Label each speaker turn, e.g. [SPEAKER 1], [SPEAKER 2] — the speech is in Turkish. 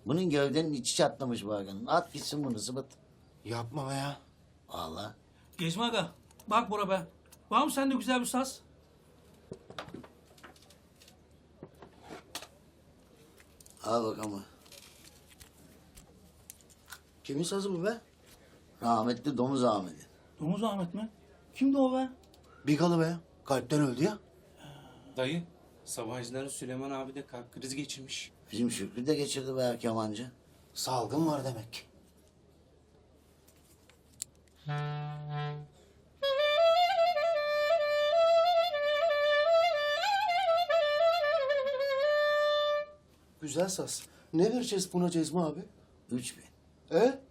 [SPEAKER 1] Bunun gövdenin içi çatlamış bu Hakan'ın. At gitsin bunu zıbıt.
[SPEAKER 2] Yapma be ya.
[SPEAKER 1] Vallahi.
[SPEAKER 3] Gezme aga. Bak Bora be. Var mı sende güzel bir saz?
[SPEAKER 1] Al bakalım.
[SPEAKER 2] Kimin sazı bu be?
[SPEAKER 1] Rahmetli Domuz Ahmet'in.
[SPEAKER 3] Domuz Ahmet mi? Kimdi o be?
[SPEAKER 2] Bigalı be. Kalpten öldü ya.
[SPEAKER 4] Dayı, Sabahcıların Süleyman abi de kalp krizi geçirmiş.
[SPEAKER 1] Bizim Şükrü de geçirdi be kemancı.
[SPEAKER 2] Salgın var demek ki. Güzel saz. Ne vereceğiz buna Cezmi abi?
[SPEAKER 1] 3000.
[SPEAKER 2] E?